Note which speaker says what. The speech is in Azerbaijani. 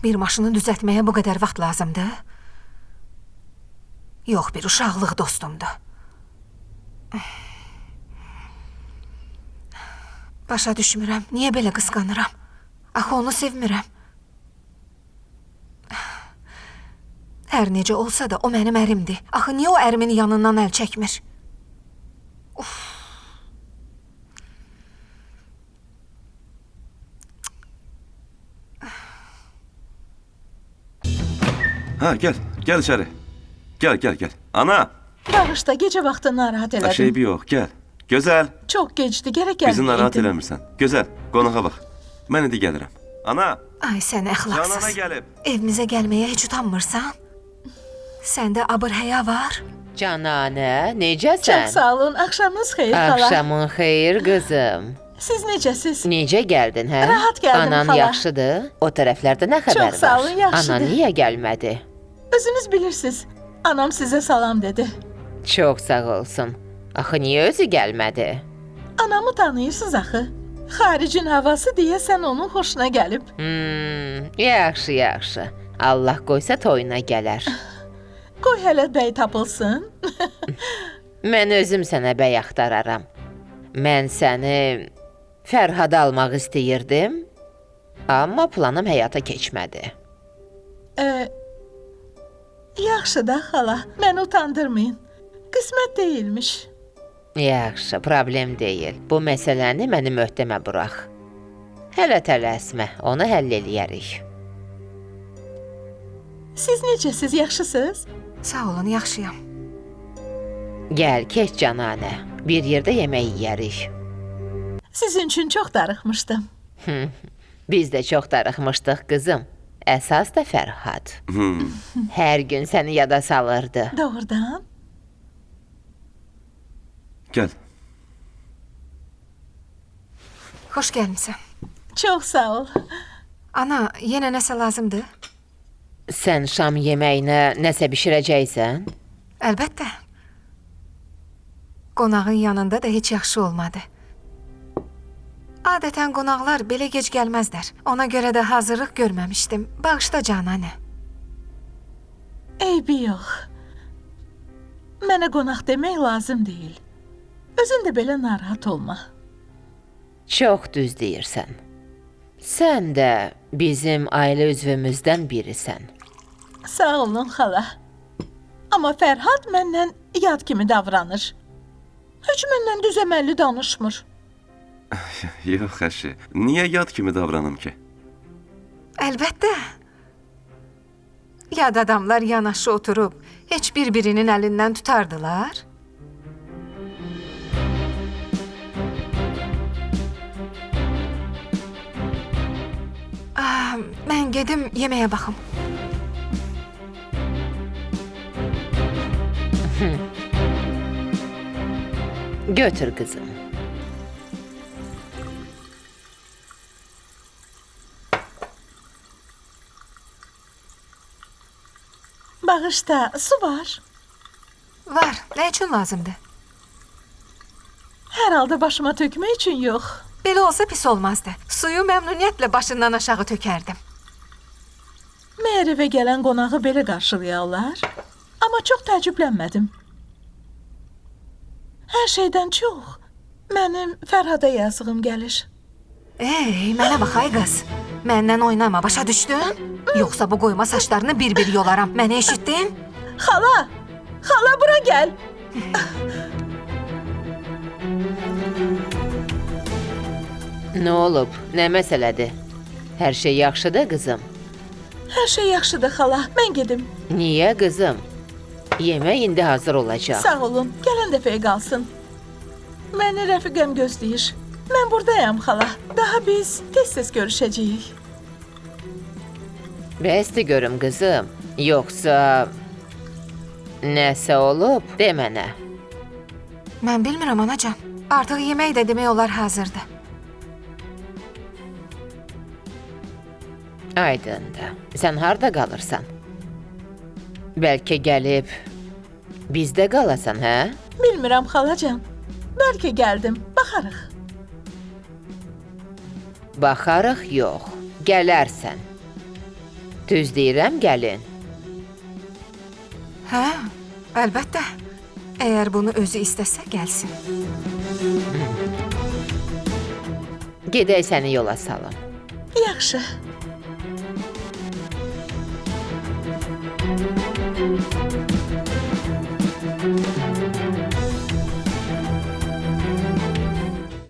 Speaker 1: Bir maşını düzəltməyə bu qədər vaxt lazımdır? Yox, bir uşaqlıq dostumdur. Başa düşmürəm, niyə belə qısqanıram? Axı onu sevmirəm. Hər necə olsa da o mənim ərimdir. Axı niyə o ərimin yanından əl çəkmir?
Speaker 2: Ha gel içeri. Gel. Ana!
Speaker 3: Bağışda, gece vaxtı narahat elədim.
Speaker 2: Şey yok, gel. Güzel.
Speaker 3: Çox gecdi, gərək gəlməyəydim.
Speaker 2: Bizi narahat eləmirsən. Güzel, qonağa bax. Mən indi gəlirəm. Ana!
Speaker 1: Ay sən əxlaqsız.
Speaker 2: Canana gəlib.
Speaker 1: Evimizə gəlməyə heç utanmırsan? Səndə abır-həya var?
Speaker 4: Cananə, necəsən?
Speaker 3: Çox sağ olun, axşamınız xeyir xala.
Speaker 4: Axşamın xeyir qızım.
Speaker 3: Siz necəsiz?
Speaker 4: Necə gəldin, hə?
Speaker 3: Rahat gəldim,
Speaker 4: Anan
Speaker 3: xala.
Speaker 4: yaxşıdır? O tərəflərdə nə xəbər var?
Speaker 3: Çox sağ olun, yaxşıdır.
Speaker 4: Anan niyə gəlmədi?
Speaker 3: Özünüz bilirsiniz, anam sizə salam dedi.
Speaker 4: Çox sağ olsun. Axı niyə özü gəlmədi?
Speaker 3: Anamı tanıyırsınız axı. Xaricin havası deyəsən onun xoşuna gəlib.
Speaker 4: Yaxşı. Allah qoysa toyuna gələr.
Speaker 3: Qoy hələ bəy tapılsın.
Speaker 4: Mən özüm sənə bəy axtararam. Mən səni Fərhada almaq istəyirdim, amma planım həyata keçmədi.
Speaker 3: Yaxşı da xala, məni utandırmayın. Qismət deyilmiş.
Speaker 4: Yaxşı, problem deyil. Bu məsələni mənim öhdəmə burax. Hələ tələsmə, onu həll eləyərik.
Speaker 3: Siz necəsiz, yaxşısınız?
Speaker 1: Sağ olun, yaxşıyam.
Speaker 4: Gəl, keç Cananə. Bir yerdə yemək yeyərik.
Speaker 3: Sizin üçün çox darıxmışdım.
Speaker 4: Biz də çox darıxmışdıq, qızım. Əsas da Fərhad. Hər gün səni yada salırdı.
Speaker 3: Doğrudan?
Speaker 2: Gel.
Speaker 1: Xoş gəlmisən.
Speaker 3: Çox sağ ol.
Speaker 1: Ana, yenə nəsə lazımdır?
Speaker 4: Sən şam yeməyinə nəsə bişirəcəksən?
Speaker 1: Əlbəttə. Qonağın yanında da heç yaxşı olmadı. Adətən qonaqlar belə gec gəlməzlər. Ona görə də hazırlıq görməmişdim. Bağışla Cananə.
Speaker 3: Eybi yox. Mənə qonaq demək lazım deyil. Özün də belə narahat olma.
Speaker 4: Çox düz deyirsən. Sən də bizim ailə üzvümüzdən birisən.
Speaker 3: Sağ olun xala. Amma Fərhad məndən yad kimi davranır. Heç məndən düz əməlli danışmır.
Speaker 2: Yox əşi, niyə yad kimi davranım ki?
Speaker 1: Əlbəttə. Yad adamlar yanaşı oturub heç bir-birinin əlindən tutardılar. Mən gedim yeməyə baxım.
Speaker 4: Götür qızım.
Speaker 3: Bağışda, su var.
Speaker 1: Var, nə üçün lazımdır?
Speaker 3: Hər halda başıma tökmək üçün yox.
Speaker 1: Belə olsa pis olmazdı. Suyu məmnuniyyətlə başından aşağı tökərdim.
Speaker 3: Məyər evə gələn qonağı belə qarşılayarlar? Amma çox təəccüblənmədim. Hər şeydən çox mənim Fərhada yazığım gəlir.
Speaker 1: Ey, mənə bax ay qız. Məndən oynama, başa düşdün? Yoxsa bu qoyma saçlarını bir-bir yolaram. Məni eşitdin?
Speaker 3: Xala! Xala, bura gəl!
Speaker 4: Nə olub? Nə məsələdir? Hər şey yaxşıdır, qızım?
Speaker 3: Hər şey yaxşıdır, xala. Mən gedim.
Speaker 4: Niyə, qızım? Yemək indi hazır olacaq.
Speaker 3: Sağ olun, gələn dəfəyə qalsın. Məni rəfiqəm gözləyir. Mən buradayam, xala. Daha biz tez-tez görüşəcəyik.
Speaker 4: Bəsdir görüm, qızım. Yoxsa... Nəsə olub, de mənə.
Speaker 1: Mən bilmirəm, anacan. Artıq yemək də demək olar hazırdır.
Speaker 4: Aydındır. Sən harda qalırsan? Bəlkə gəlib bizdə qalasan, hə?
Speaker 3: Bilmirəm, xalacan. Bəlkə gəldim. Baxarıq.
Speaker 4: Baxarıq, yox. Gələrsən. Düz deyirəm, gəlin.
Speaker 1: Hə, əlbəttə. Əgər bunu özü istəsə, gəlsin.
Speaker 4: Gedək səni yola salım.
Speaker 3: Yaxşı.